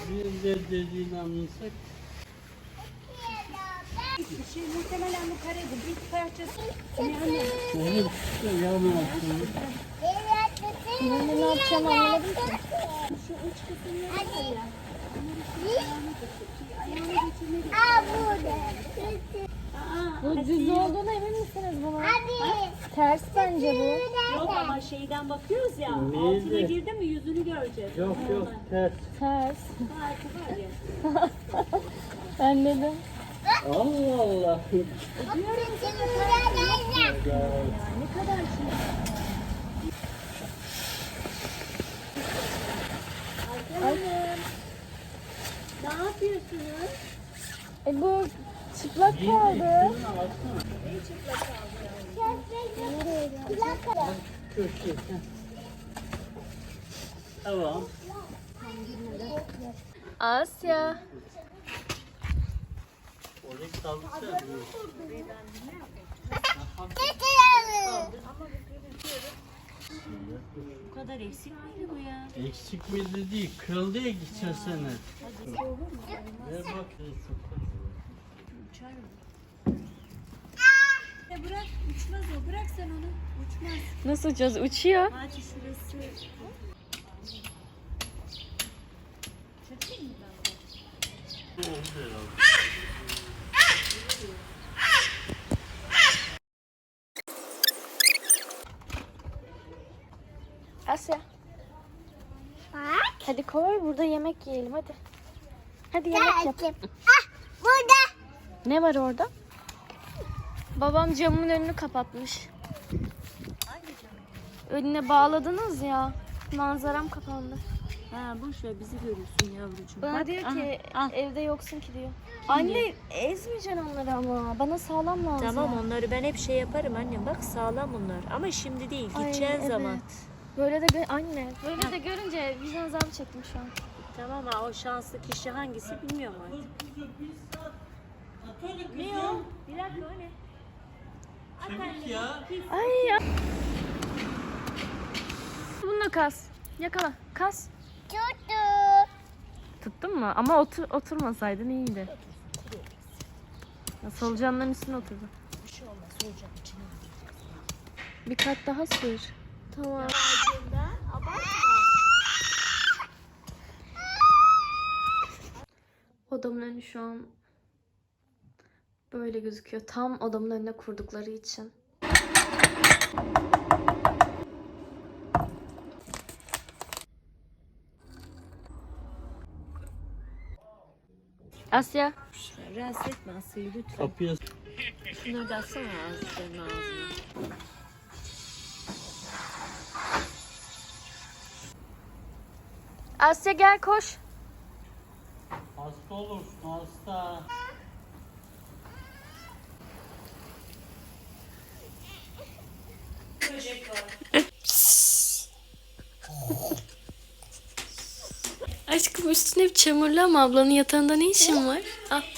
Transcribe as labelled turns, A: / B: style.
A: Bir de dediğini anlasak.
B: Muhtemelen bu karede bir parçası.
A: Evet, yağmur atıyor.
C: Ne yapacağım anlamadım ki.
B: Şu uç kısımları var ya.
C: Bu düz olduğuna emin misiniz buna? Ters bence bu.
B: Yok ama şeyden bakıyoruz ya.
A: Neydi?
B: Altına girdi mi yüzünü göreceğiz.
A: Yok yok ters.
C: Ters.
B: Farkı var ya.
C: Anladım.
A: Allah Allah.
B: Ne kadar şey. Hanım. Ne yapıyorsunuz?
C: Bu çıplak kaldı.
A: Köşe. Tamam.
C: Asya.
A: Orayı kaldırsana.
B: Bu kadar eksik miydi bu ya?
A: Eksik miydi değil. Kırıldı ya geçen sene. Ver bak.
B: Uçar mı? Bırak uçmaz o. Bırak sen onu. Uçmaz.
C: Nasıl uçacağız? Uçuyor.
B: Hadi şurası. Çekeyim mi ben de?
A: Oldu herhalde.
C: Asya. Hadi koy burada yemek yiyelim hadi. Hadi yemek yap.
D: Burada.
C: Ne var orada? Babam camın önünü kapatmış. Önüne bağladınız ya. Manzaram kapandı.
B: Ha boş ver bizi görürsün yavrucuğum.
C: Bana
B: Bak,
C: diyor
B: aha,
C: ki
B: al.
C: evde yoksun ki diyor. Anne ezmeyeceksin onları ama. Bana sağlam lazım.
B: Tamam onları ben hep şey yaparım annem. Bak sağlam bunlar. Ama şimdi değil.
C: Ay,
B: Gideceğin
C: evet.
B: zaman.
C: Böyle de anne. Böyle de görünce vicdan azabı çektim şu an.
B: Tamam ha o şanslı kişi hangisi bilmiyorum artık. Ne o? Bir dakika o ne?
A: Çabuk ya.
C: Ay ya. Bununla kas. Yakala. Kas.
D: Tuttu.
C: Tuttun mu? Ama oturmasaydın iyiydi. Ya, solucanların üstüne oturdu.
B: Bir şey olmaz. Solucan içine.
C: Bir kat daha sür. Tamam.
B: Abartma.
C: Odamın önü şu an böyle gözüküyor. Tam odamın önüne kurdukları için. Asya.
B: Rahatsız etme Asya'yı lütfen.
A: Kapıya
B: Şunları da atsana ağzına ağzına.
C: Asya gel koş.
A: hasta olursun hasta.
C: Aşkım üstün hep çamurlu ama ablanın yatağında ne işin var? Al.